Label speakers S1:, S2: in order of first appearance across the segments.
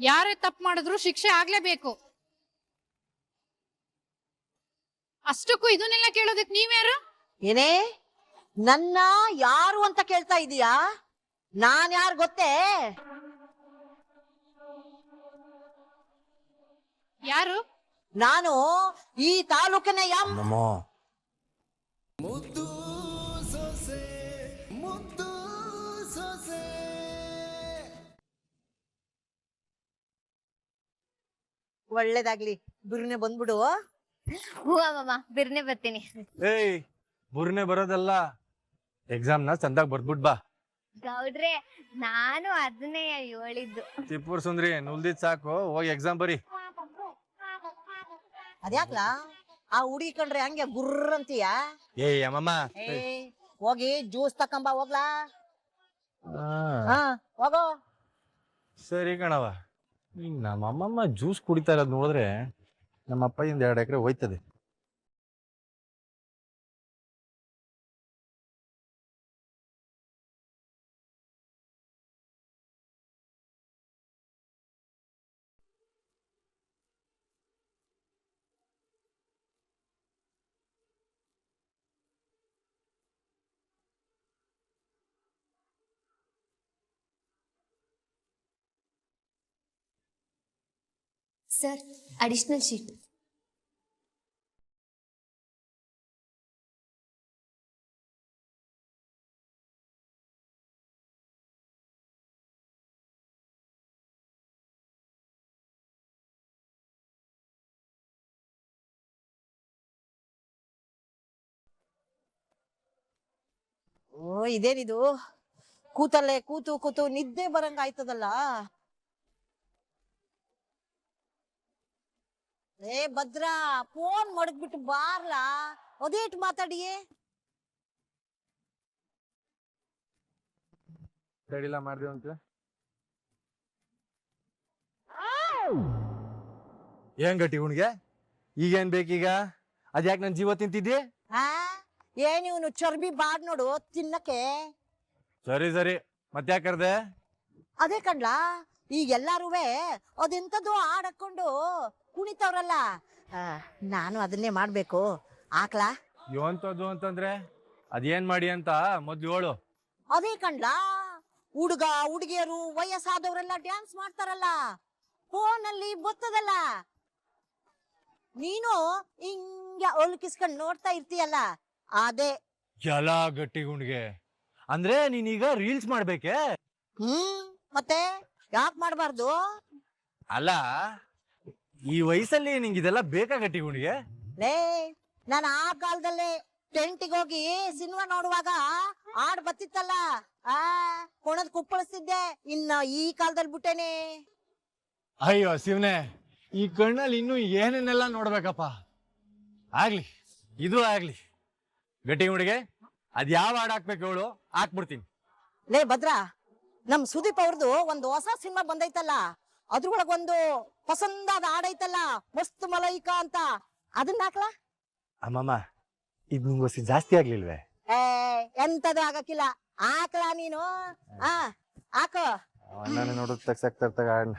S1: ಯಾರೇ ತಪ್ಪು ಮಾಡಿದ್ರು ಶಿಕ್ಷೆ ಆಗ್ಲೇಬೇಕು. ಅಷ್ಟಕ್ಕೂ ಇದನ್ನೆಲ್ಲ ಕೇಳೋದಕ್ ನೀವ್ಯಾರು?
S2: ಏನೇ ನನ್ನ ಯಾರು ಅಂತ ಕೇಳ್ತಾ ಇದೀಯಾ? ನಾನ್ ಯಾರು ಗೊತ್ತೇ?
S1: ಯಾರು?
S2: ನಾನು ಈ ತಾಲೂಕಿನ ಒಳ್ಳೇದಾಗ್ಲಿ, ಬಿರ್ನೆ ಬಂದ್ಬಿಡು.
S3: ಹೂ ಅಮ್ಮಮ್ಮ, ಬಿರ್ನೆ ಬರ್ತೀನಿ.
S4: ಏಯ್, ಬುರ್ನೆ ಬರೋದಲ್ಲ, ಎಕ್ಸಾಮ್ನ ಚಂದಾಗ್ ಬರ್ದ್ಬಿಟ್ ಬಾ.
S3: ಗೌಡ್ರೆ, ನಾನು ಅದನ್ನೇ ಹೇಳಿದ್ದು.
S4: ತಿಪ್ಪೂರ್ ಸುಂದ್ರಿ, ನುಲ್ದಿದ್ ಸಾಕು, ಹೋಗಿ ಎಕ್ಸಾಮ್ ಬರಿ.
S2: ಅದ್ಯಾಕ್ಲಾ ಆ ಹುಡುಗಿ ಕಂಡ್ರೆ ಹಂಗೆ ಗುರ್ರ ಅಂತೀಯ?
S4: ಏಯ್ ಅಮ್ಮಮ್ಮ,
S2: ಹೋಗಿ ಜ್ಯೂಸ್ ತಕೊಂಬ ಹೋಗ್ಲಾ. ಹಾ ಹೋಗೋ.
S4: ಸರಿ ಕಣವ. ಈಗ ನಮ್ಮ ಅಮ್ಮಮ್ಮ ಜ್ಯೂಸ್ ಕುಡಿತಾ ಇರೋದ್ ನೋಡಿದ್ರೆ ನಮ್ಮ ಅಪ್ಪಯಿಂದ 2 ಎಕರೆ ಹೋಯ್ತದೆ.
S3: Sir, additional sheet.
S2: ಓ, ಇದೇನಿದು? ಕೂತಲ್ಲೇ ಕೂತು ಕೂತು ನಿದ್ದೆ ಬರಂಗ ಆಯ್ತದಲ್ಲ. ಏ ಭದ್ರಾ, ಫೋನ್ ಮಡಗ್ಬಿಟ್ಟು ಬಾರ್ಲಾ, ಅದೇಟ್ ಮಾತಾಡಿಯೇ.
S4: ತಡಿಲ್ಲ ಮಾಡ್ದೇವ ಅಂತ ಏನ್ ಗಟ್ಟಿ ಉಣ್ಗೆ ಈಗೇನ್ ಬೇಕೀಗ? ಅದ್ಯಾಕ್ ನನ್ ಜೀವ ತಿಂತಿದ್ದಿ?
S2: ಹಾ, ಏನ್ ಇವನು ಚರ್ಬಿ ಬಾಡ್ ನೋಡು ತಿನ್ನಕ್ಕೆ.
S4: ಸರಿ ಸರಿ, ಮತ್ತ್ಯಾಕ್ ಕರ್ದೆ?
S2: ಅದೇ ಕಣ್ಲಾ, ಈಗ ಎಲ್ಲಾರುವೆ ಅದೆಂತದ್ದು ಹಾಕೊಂಡು ಕುಣಿತವ್ರಲ್ಲ, ನಾನು ಅದನ್ನೇ ಮಾಡ್ಬೇಕು. ಆಕ್ಲಾ?
S4: ಯೋಂತದ್ದು ಅಂತಂದ್ರೆ ಅದೇನ್ ಮಾಡಿ ಅಂತ ಮೊದ್ಲು ಹೇಳು.
S2: ಅದೇ ಕಣ್ಲಾ, ಹುಡುಗ ಹುಡುಗಿಯರು ವಯಸ್ಸಾದವರೆಲ್ಲ ಡ್ಯಾನ್ಸ್ ಮಾಡ್ತಾರಲ್ಲ, ಫೋನಲ್ಲಿ ಬರ್ತದಲ್ಲ, ನೀನು ಹಿಂಗ ಒಲ್ಕಿಸ್ಕೊಂಡ್ ನೋಡ್ತಾ ಇರ್ತೀಯಲ್ಲ, ಅದೇ.
S4: ಎಲ್ಲ ಗಟ್ಟಿ ಗುಂಡ್ಗೆ ಅಂದ್ರೆ ನೀನೀಗ ರೀಲ್ಸ್ ಮಾಡ್ಬೇಕೆ?
S2: ಮತ್ತೆ ಯಾಕೆ ಮಾಡ್ಬಾರ್ದು?
S4: ಅಲ್ಲ, ಈ ವಯಸ್ಸಲ್ಲಿ ನಿಂಗೆ ಇದೆಲ್ಲ ಬೇಕಾ ಗಟ್ಟಿ ಗುಂಡ್ಗೆ?
S2: ಲೇ, ನಾನು ಆ ಕಾಲದಲ್ಲೇ ಟೆಂಟಿಗೆ ಹೋಗಿ ಸಿನಿಮಾ ನೋಡುವಾಗ ಹಾಡ್ ಬತ್ತಿತ್ತಲ್ಲ, ಕೊಣದ್ ಕುಪ್ಪಳಿಸ್ತಿದ್ದೆ. ಇನ್ನ ಈ ಕಾಲದಲ್ಲಿ ಬಿಟ್ಟೇನೆ.
S4: ಅಯ್ಯೋ ಶಿವನೇ, ಈ ಕಣ್ಣಲ್ಲಿ ಇನ್ನು ಏನೇನೆಲ್ಲ ನೋಡ್ಬೇಕಪ್ಪ. ಆಗ್ಲಿ, ಇದು ಆಗ್ಲಿ. ಗಟ್ಟಿ ಗುಂಡ್ಗೆ ಅದ್ ಯಾವ ಹಾಡ್ ಹಾಕ್ಬೇಕು ಹೇಳು, ಹಾಕ್ಬಿಡ್ತೀನಿ.
S2: ಲೇ ಭದ್ರಾ, ನಮ್ ಸುದೀಪ್ ಅವ್ರದ್ದು ಒಂದು ಹೊಸ ಸಿನಿಮಾ ಬಂದೈತಲ್ಲ, ಅದ್ರೊಳಗೊಂದು ಪಸಂದಾದ ಹಾಡೈತಲ್ಲ, ಮಸ್ತ್ ಮಲೈಕಾ ಅಂತ, ಅದನ್ನ ಹಾಕ್ಲಾ?
S4: ಅಮ್ಮಮ್ಮ, ಇದ್ ನಿಂಗೋಸಿ ಜಾಸ್ತಿ ಆಗ್ಲಿಲ್ವೇ?
S2: ಎಂತದು ಆಗಕ್ಕಿಲ್ಲ, ಹಾಕ್ಲಾ ನೀನು? ಹಾಕು.
S4: ನಾನು ನೋಡೋದ್ ತಗ್ಸಾಕ್ತರ್ತಾಗ ಹಾಡ್ನ.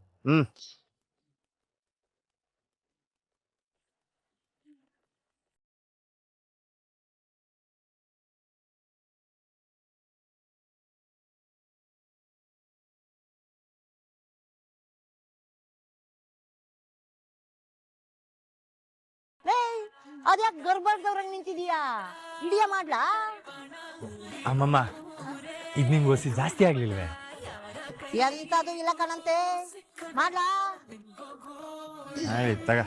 S2: ಅದ್ಯಾಕ್ ಗರ್ಭದವ್ರಂಗ್ ನಿಂತಿದೀಯಾ? ಇಡಿಯ ಮಾಡ್ಲಾ?
S4: ಅಮ್ಮಮ್ಮ, ಇದ್ ನಿಂಗೋಸಿ ಜಾಸ್ತಿ ಆಗ್ಲಿಲ್ವೇ?
S2: ಎಂತದು ಇಲ್ಲ ಕಣಂತೆ, ಮಾಡ್ಲಾ?
S4: ಆಯ್ತು ತಗ.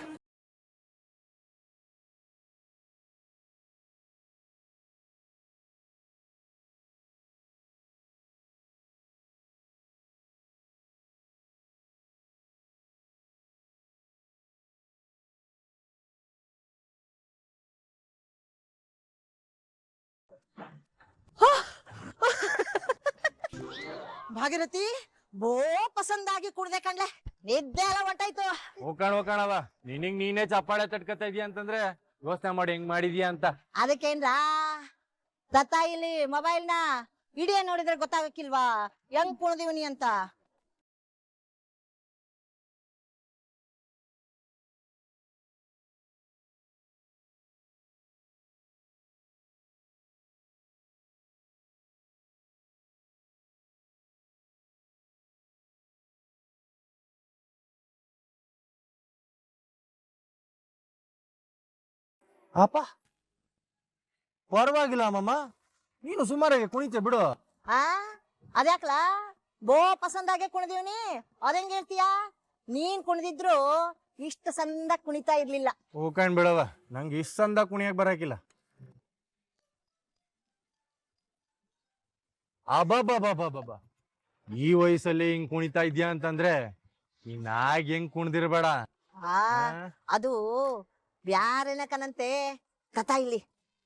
S2: ಭಾಗೀರಥಿ, ಬೋ ಪಸಂದಾಗಿ ಕುಡ್ದೆ ಕಣ್ಲೆ, ನಿದ್ದೆ ಎಲ್ಲ ಹೊಂಟಾಯ್ತು.
S4: ಹೋಕಣವ, ನಿನಗ್ ನೀನೇ ಚಪ್ಪಾಳೆ ತಟ್ಕತಾ ಇದೀಯ ಅಂತಂದ್ರೆ ಯೋಚನೆ ಮಾಡಿ ಹೆಂಗ್ ಮಾಡಿದ್ಯಾ ಅಂತ.
S2: ಅದಕ್ಕೇನ್ರಾ, ತತ್ತ ಇಲ್ಲಿ ಮೊಬೈಲ್ನ ಇಡಿಯ ನೋಡಿದ್ರೆ ಗೊತ್ತಾಗಕ್ಕಿಲ್ವಾ ಹೆಂಗ್ ಕುಣದಿವನಿ ಅಂತ?
S4: ಅಪ್ಪ ಪರವಾಗಿಲ್ಲ ಅಮ್ಮಮ್ಮ, ನೀನು ಸುಮಾರಾಗಿ ಕುಣಿತೆ ಬಿಡು.
S2: ಆ ಅದ್ಯಾಕ್ಲಾ ಬೋ ಪಸಂದಾಗೆ ಕುಣಿದೀವ್ನಿ, ಅದಂಗ ಹೇಳ್ತೀಯ? ನೀನ್ ಕುಣಿದಿದ್ರು ಇಷ್ಟ ಸಂದ ಕುಣಿತಾ ಇರ್ಲಿಲ್ಲ.
S4: ಹೂಕಂಡ್ ಬಿಡವ, ನಂಗೆ ಇಷ್ಟ ಅಂದ ಕುಣಿಯಕ್ ಬರಾಕಿಲ್ಲ. ಅಬ್ಬಬ್ಬಬ್ಬಬ್ಬಬ್ಬ, ಈ ವಯಸ್ಸಲ್ಲಿ ಹಿಂಗ್ ಕುಣಿತಾ ಇದ್ಯಾ ಅಂತಂದ್ರೆ ಇನ್ನಾಗ ಹೆಂಗ್ ಕುಣ್ದಿರ್ಬೇಡ.
S2: ಆ ಅದು ಬ್ಯಾರೆನ ಕನಂತೆ ಕಥಾ ಇಲ್ಲಿ.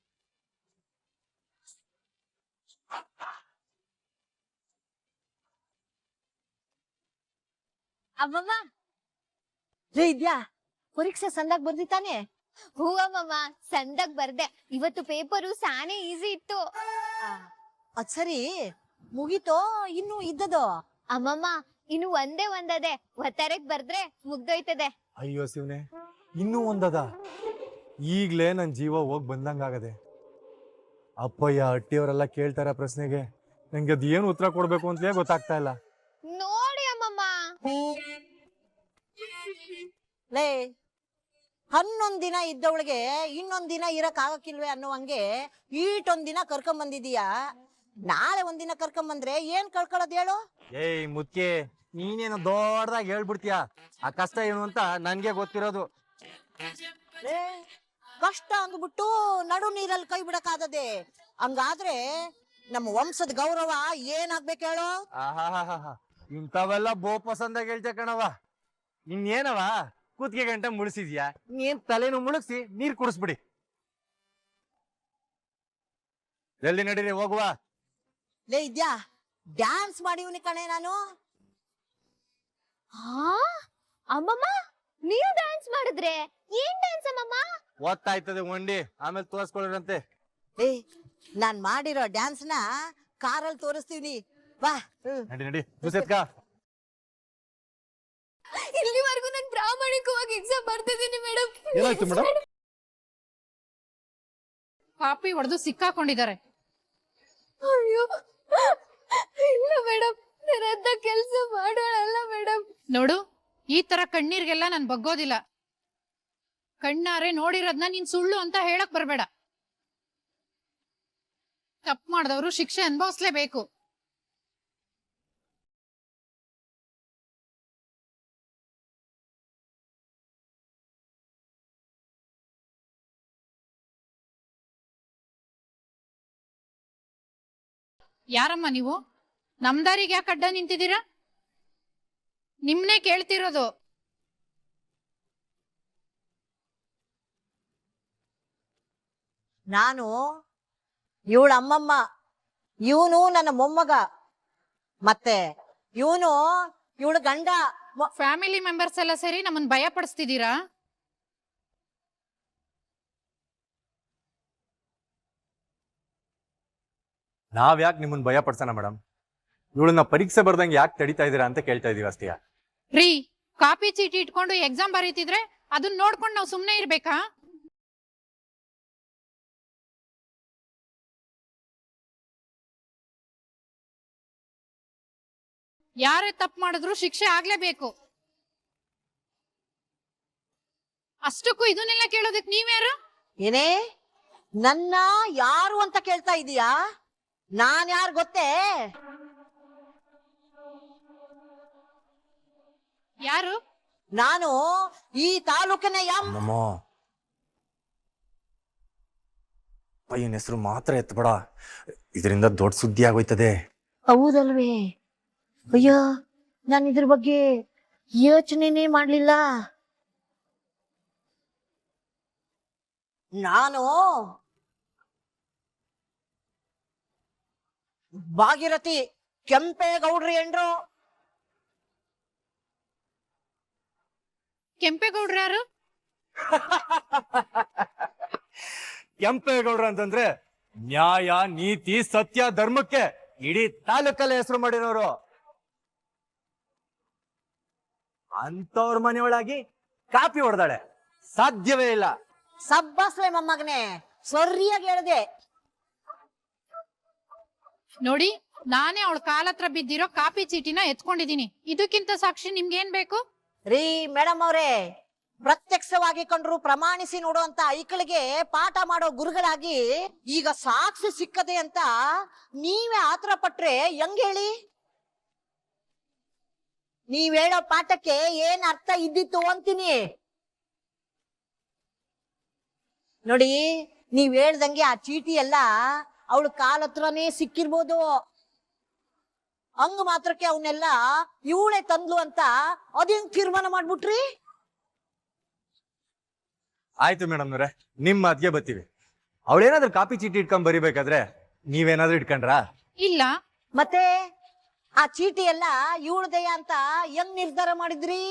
S3: ಅಮ್ಮಮ್ಮ
S2: ರೇ ಇದ್ಯಾ, ಪರೀಕ್ಷೆ ಸಂದಾಗ ಬರ್ದಿತಾನೆ?
S3: ಹೂ ಅಮ್ಮಮ್ಮ, ಸಂದಾಗ ಬರ್ದೆ. ಇವತ್ತು ಪೇಪರು ಸಾನೆ ಈಸಿ ಇತ್ತು.
S2: ಅದ್ ಸರಿ, ಮುಗೀತೋ ಇನ್ನು ಇದ್ದದೋ?
S3: ಅಮ್ಮಮ್ಮ ಇನ್ನು ಒಂದೇ ಒಂದದೆ, ಒತ್ತಾರಕ್ ಬರ್ದ್ರೆ ಮುಗ್ದೋಯ್ತದೆ.
S4: ಅಯ್ಯೋ ಶಿವನೆ, ಇನ್ನೂ ಒಂದದ? ಈಗ್ಲೇ ನನ್ ಜೀವ ಹೋಗ್ ಬಂದಂಗಾಗದೆ. ಅಪ್ಪಯ್ಯ ಅಟ್ಟಿಯವರೆಲ್ಲ ಕೇಳ್ತಾರ ಪ್ರಶ್ನೆಗೆ, ನಂಗೆ ಅದ್ ಏನ್ ಉತ್ತರ ಕೊಡ್ಬೇಕು ಅಂತಲೇ ಗೊತ್ತಾಗ್ತಾ ಇಲ್ಲ.
S3: ನೋಡಿ ಅಮ್ಮಮ್ಮ.
S2: ಲೇ, 11 ದಿನ ಇದ್ದವಳಿಗೆ ಇನ್ನೊಂದ್ ದಿನ ಇರಕ್ ಆಗಕ್ಕಿಲ್ವೇ ಅನ್ನೋ ಹಂಗೆ ಈಟೊಂದ್ ದಿನ ಕರ್ಕೊಂಡ್ ಬಂದಿದೀಯಾ. ನಾಳೆ ಒಂದಿನ ಕರ್ಕೊಂಡ್ ಬಂದ್ರೆ ಏನ್ ಕಳ್ಕೊಳ್ಳೋದ್ ಹೇಳು?
S4: ಏಯ್ ಮುದ್ಕೆ, ನೀನೇನು ದೊಡ್ಡದಾಗಿ ಹೇಳ್ಬಿಡ್ತೀಯ. ಆ ಕಷ್ಟ ಏನು ಅಂತ ನನ್ಗೆ ಗೊತ್ತಿರೋದು.
S2: ಲೇ, ಕಷ್ಟ ಅಂದ್ಬಿಟ್ಟು ನಡು ನೀರಲ್ಲಿ ಕೈ ಬಿಡಕ್ಕಾಗದೆ? ಹಂಗಾದ್ರೆ ನಮ್ಮ ವಂಶದ ಗೌರವ ಏನಾಗ್ಬೇಕು ಹೇಳು?
S4: ಆಹಾಹಾಹಾ, ಇಂಥವೆಲ್ಲ ಬೋ ಪಸಂದಾಗ ಹೇಳ್ತೆ ಕಣವ. ಇನ್ನೇನವ ಕೂತ್ಗೆ ಗಂಟೆ ಮುಳಿಸಿದ್ಯಾ? ನೀನ್ ತಲೆನು ಮುಳುಗ್ಸಿ ನೀರ್ ಕುಡಿಸ್ಬಿಡಿ. ಜಲ್ದಿ ನಡೀರಿ, ಹೋಗುವ.
S2: ಲೇ ಇದ್ಯಾ, ಡ್ಯಾನ್ಸ್ ಮಾಡಿವ್ನಿ ಕಣೆ ನಾನು.
S3: ಹಾ ಅಮ್ಮಮ್ಮ, ನೀವು ಡ್ಯಾನ್ಸ್ ಮಾಡಿದ್ರೆ? ಏನ್ ಡ್ಯಾನ್ಸ್ ಅಮ್ಮಮ್ಮ?
S4: ಓದ್ತಾಯ್ತದೆ ಒಂಡಿ, ಆಮೇಲೆ ತೋರಿಸ್ಕೊಳ್ಳರಂತೆ.
S2: ಏ, ನಾನ್ ಮಾಡಿರೋ ಡ್ಯಾನ್ಸ್ ನ ಕಾರಲ್ಲಿ ತೋರಿಸ್ತೀವಿ, ಬಾ.
S4: ನಡಿ ನಡಿ, ಮುಸೆತ್ಕ.
S3: ಇಲ್ಲಿವರೆಗೂ ನಾನು ಪ್ರಾಮಾಣಿಕವಾಗಿ ಎಕ್ಸಾಮ್ ಬರ್ತಿದ್ದೀನಿ ಮೇಡಮ್.
S4: ಏನಾಯ್ತು ಮೇಡಮ್?
S1: ಕಾಪಿ ಹೊಡೆದು ಸಿಕ್ಕಾಕೊಂಡಿದ್ದಾರೆ.
S3: ಅಯ್ಯೋ ಇಲ್ಲ ಮೇಡಮ್, ನನ್ನ ಕೆಲಸ ಮಾಡೋಳಲ್ಲ ಮೇಡಮ್.
S1: ನೋಡು, ಈ ತರ ಕಣ್ಣೀರ್ಗೆಲ್ಲ ನಾನ್ ಬಗ್ಗೋದಿಲ್ಲ. ಕಣ್ಣಾರೆ ನೋಡಿರೋದ್ನ ನೀನ್ ಸುಳ್ಳು ಅಂತ ಹೇಳಕ್ ಬರ್ಬೇಡ. ತಪ್ಪು ಮಾಡಿದವರು ಶಿಕ್ಷೆ ಅನುಭವಿಸ್ಲೇಬೇಕು. ಯಾರಮ್ಮ ನೀವು? ನಮ್ ದಾರಿಗೆ ಯಾಕೆ ಅಡ್ಡ ನಿಂತಿದ್ದೀರಾ? ನಿಮ್ನೆ ಕೇಳ್ತಿರೋದು.
S2: ನಾನು ಇವಳ ಅಮ್ಮಮ್ಮ, ಇವನು ನನ್ನ ಮೊಮ್ಮಗ, ಮತ್ತೆ ಇವನು ಇವಳ ಗಂಡ.
S1: ಫ್ಯಾಮಿಲಿ ಮೆಂಬರ್ಸ್ ಎಲ್ಲ ಸೇರಿ ನಮ್ಮನ್ ಭಯ ಪಡಿಸ್ತಿದ್ದೀರಾ?
S4: ನಾವ್ ಯಾಕೆ ನಿಮ್ಮನ್ನ ಭಯ ಪಡ್ಸೋಣ ಮೇಡಮ್? ಇವಳನ್ನ ಪರೀಕ್ಷೆ ಬರ್ದಂಗೆ ಯಾಕೆ ತಡಿತಾ ಇದೀರಾ ಅಂತ ಕೇಳ್ತಾ ಇದೀವಿ ಅಷ್ಟೇ.
S1: ರೀ, ಕಾಪಿ ಚೀಟಿ ಇಟ್ಕೊಂಡು ಎಕ್ಸಾಮ್ ಬರೀತಿದ್ರೆ ಅದನ್ನ ನೋಡ್ಕೊಂಡು ನಾವು ಸುಮ್ನೆ ಇರ್ಬೇಕಾ? ಯಾರೇ ತಪ್ಪು ಮಾಡಿದ್ರು ಶಿಕ್ಷೆ ಆಗ್ಲೇಬೇಕು. ಅಷ್ಟಕ್ಕೂ ಇದನ್ನೆಲ್ಲ ಕೇಳೋದಕ್ ನೀವ್ಯಾರು?
S2: ಏನೇ ನನ್ನ ಯಾರು ಅಂತ ಕೇಳ್ತಾ ಇದೀಯಾ? ನಾನ್ ಯಾರು ಗೊತ್ತೇ?
S1: ಯಾರು?
S2: ನಾನು ಈ ತಾಲೂಕಿನ
S4: ಪಯ್ಯನ ಹೆಸರು ಮಾತ್ರ ಎತ್ಬೇಡ, ಇದರಿಂದ ದೊಡ್ಡ ಸುದ್ದಿ ಆಗೋಯ್ತದೆ.
S2: ಹೌದಲ್ವೇ? ಅಯ್ಯೋ, ನಾನು ಇದ್ರ ಬಗ್ಗೆ ಯೋಚನೆನೇ ಮಾಡ್ಲಿಲ್ಲ. ನಾನು ಭಾಗೀರಥಿ ಕೆಂಪೇಗೌಡ್ರಿ ಎಂಡ್ರು.
S1: ಕೆಂಪೇಗೌಡ್ರ ಯಾರು?
S4: ಕೆಂಪೇಗೌಡ್ರ ಅಂತಂದ್ರೆ ನ್ಯಾಯ, ನೀತಿ, ಸತ್ಯ, ಧರ್ಮಕ್ಕೆ ಇಡೀ ತಾಲೂಕಲ್ಲೇ ಹೆಸರು ಮಾಡಿರೋರು. ಅಂತವ್ರ ಮನೆಯೊಳಗಿ ಕಾಪಿ ಹೊಡೆದಾಳೆ, ಸಾಧ್ಯವೇ ಇಲ್ಲ.
S2: ಸಬ್ಬಾಸ್ಲೆ ಮೊಮ್ಮಗನೆ, ಸರಿಯಾಗಿ ಹೇಳ್ದೆ.
S1: ನೋಡಿ, ನಾನೇ ಅವಳ ಕಾಲತ್ರ ಬಿದ್ದಿರೋ ಕಾಪಿ ಚೀಟಿನ ಎತ್ಕೊಂಡಿದೀನಿ. ಇದಕ್ಕಿಂತ ಸಾಕ್ಷಿ ನಿಮ್ಗೇನ್ ಬೇಕು?
S2: ರೀ ಮೇಡಮ್ ಅವ್ರೆ, ಪ್ರತ್ಯಕ್ಷವಾಗಿ ಕಂಡ್ರು ಪ್ರಮಾಣಿಸಿ ನೋಡುವಂತ ಐಕಳಿಗೆ ಪಾಠ ಮಾಡೋ ಗುರುಗಳಾಗಿ ಈಗ ಸಾಕ್ಷಿ ಸಿಕ್ಕದೆ ಅಂತ ನೀವೇ ಆತರ ಪಟ್ರೆ ಹೆಂಗ್ ಹೇಳಿ? ನೀವ್ ಹೇಳೋ ಪಾಠಕ್ಕೆ ಏನ್ ಅರ್ಥ ಇದ್ದಿತ್ತು ಅಂತೀನಿ. ನೋಡಿ, ನೀವ್ ಹೇಳ್ದಂಗೆ ಆ ಚೀಟಿ ಎಲ್ಲ ಅವಳು ಕಾಲ್ ಹತ್ರನೇ ಸಿಕ್ಕಿರ್ಬೋದು. ಹಂಗ ಮಾತ್ರಕ್ಕೆ ಅವನ್ನೆಲ್ಲ ಇವಳೆ ತಂದ್ಲು ಅಂತ ಅದೇನ್ ತೀರ್ಮಾನ ಮಾಡ್ಬಿಟ್ರಿ?
S4: ಆಯ್ತು ಮೇಡಮ್ನವ್ರೆ, ನಿಮ್ ಮಾತಿಗೆ ಬರ್ತೀವಿ. ಅವಳೇನಾದ್ರೂ ಕಾಪಿ ಚೀಟಿ ಇಟ್ಕೊಂಡ್ ಬರಿಬೇಕಾದ್ರೆ ನೀವೇನಾದ್ರೂ ಇಟ್ಕೊಂಡ್ರಾ?
S1: ಇಲ್ಲ.
S2: ಮತ್ತೆ ಆ ಚೀಟಿ ಎಲ್ಲ ಇವಳದೆಯ ಅಂತ ಹೆಂಗ್ ನಿರ್ಧಾರ ಮಾಡಿದ್ರಿ?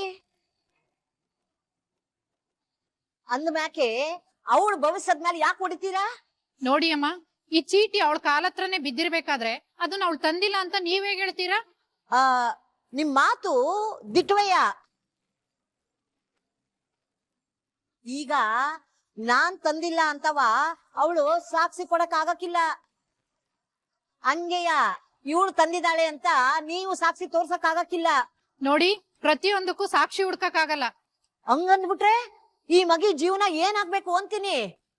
S2: ಅಂದ್ಮ್ಯಾಕೆ ಅವಳು ಭವಿಷ್ಯದ ಮೇಲೆ ಯಾಕೆ ಹೊಡಿತೀರಾ?
S1: ನೋಡಿ ಅಮ್ಮ, ಈ ಚೀಟಿ ಅವಳ ಕಾಲತ್ರನೇ ಬಿದ್ದಿರ್ಬೇಕಾದ್ರೆ ಅದನ್ನ ಅವಳು ತಂದಿಲ್ಲ ಅಂತ ನೀವ್ ಹೇಗ್ ಹೇಳ್ತೀರಾ?
S2: ಆ ನಿಮ್ ಮಾತು ದಿಟ್ವಯ್ಯ. ಈಗ ನಾನ್ ತಂದಿಲ್ಲ ಅಂತವ ಅವಳು ಸಾಕ್ಷಿ ಕೊಡಕ್ ಆಗಕ್ಕಿಲ್ಲ. ಹಂಗೆಯ ಇವಳು ತಂದಿದ್ದಾಳೆ ಅಂತ ನೀವು ಸಾಕ್ಷಿ ತೋರ್ಸಕ್ ಆಗಕ್ಕಿಲ್ಲ.
S1: ನೋಡಿ, ಪ್ರತಿಯೊಂದಕ್ಕೂ ಸಾಕ್ಷಿ ಹುಡ್ಕಕ್ ಆಗಲ್ಲ.
S2: ಹಂಗಂದ್ಬಿಟ್ರೆ ಈ ಮಗಿ ಜೀವನ ಏನಾಗ್ಬೇಕು ಅಂತೀನಿ.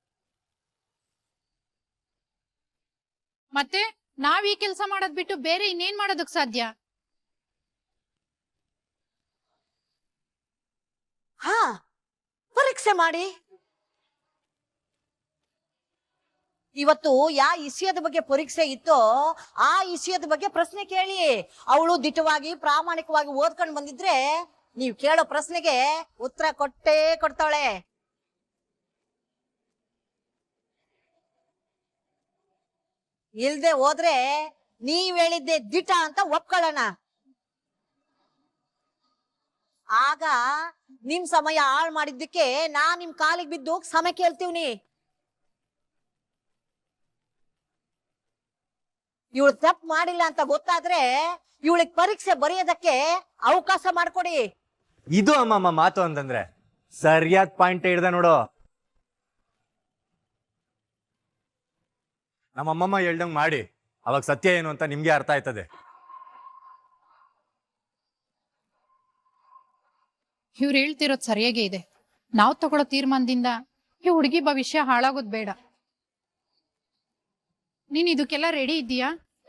S1: ಮತ್ತೆ ನಾವ್ ಈ ಕೆಲ್ಸ ಮಾಡೋದ್ ಬಿಟ್ಟು ಬೇರೆ ಇನ್ನೇನ್ ಮಾಡೋದಕ್ ಸಾಧ್ಯ?
S2: ಹಾ, ಪರೀಕ್ಷೆ ಮಾಡಿ. ಇವತ್ತು ಯಾವ ವಿಷಯದ ಬಗ್ಗೆ ಪರೀಕ್ಷೆ ಇತ್ತೋ ಆ ವಿಷಯದ ಬಗ್ಗೆ ಪ್ರಶ್ನೆ ಕೇಳಿ. ಅವಳು ದಿಟ್ಟವಾಗಿ ಪ್ರಾಮಾಣಿಕವಾಗಿ ಓದ್ಕೊಂಡು ಬಂದಿದ್ರೆ ನೀವ್ ಕೇಳೋ ಪ್ರಶ್ನೆಗೆ ಉತ್ತರ ಕೊಟ್ಟೇ ಕೊಡ್ತಾಳೆ. ಇಲ್ದೆ ಹೋದ್ರೆ ನೀವ್ ಹೇಳಿದ್ದೆ ದಿಟ ಅಂತ ಒಪ್ಕೊಳ್ಳೋಣ. ಆಗ ನಿಮ್ ಸಮಯ ಹಾಳು ಮಾಡಿದ್ದಕ್ಕೆ ನಿಮ್ ಕಾಲಿಗೆ ಬಿದ್ದು ಸಮಯ ಕೇಳ್ತೀವ್ನಿ. ಇವಳು ತಪ್ಪು ಮಾಡಿಲ್ಲ ಅಂತ ಗೊತ್ತಾದ್ರೆ ಇವಳಿಗೆ ಪರೀಕ್ಷೆ ಬರೆಯೋದಕ್ಕೆ ಅವಕಾಶ ಮಾಡ್ಕೊಡಿ.
S4: ಇದು ಅಮ್ಮಮ್ಮ ಮಾತು ಅಂತಂದ್ರೆ ಸರಿಯಾದ ಪಾಯಿಂಟ್ ಹಿಡ್ದ ನೋಡು. ನಮ್ಮಮ್ಮಮ್ಮ ಹೇಳ್ದಂಗ್ ಮಾಡಿ, ಅವಾಗ ಸತ್ಯ ಏನು ಅಂತ ನಿಮ್ಗೆ ಅರ್ಥ ಆಯ್ತದೆ.
S1: ಇವ್ರು ಹೇಳ್ತಿರೋದ್ ಸರಿಯಾಗೇ ಇದೆ. ನಾವ್ ತಗೊಳ್ಳೋ ತೀರ್ಮಾನದಿಂದ ಈ ಹುಡುಗಿ ಭವಿಷ್ಯ ಹಾಳಾಗೋದ್ ಬೇಡ. ನೀನ್ ಇದಕ್ಕೆಲ್ಲ ರೆಡಿ ಇದ್ದೀಯಾ?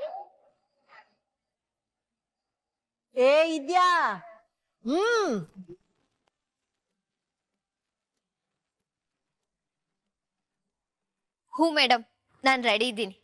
S2: ಇದ್ಯಾ?
S3: ಹ್ಞೂ ಮೇಡಮ್, ನಾನ್ ರೆಡಿ ಇದ್ದೀನಿ.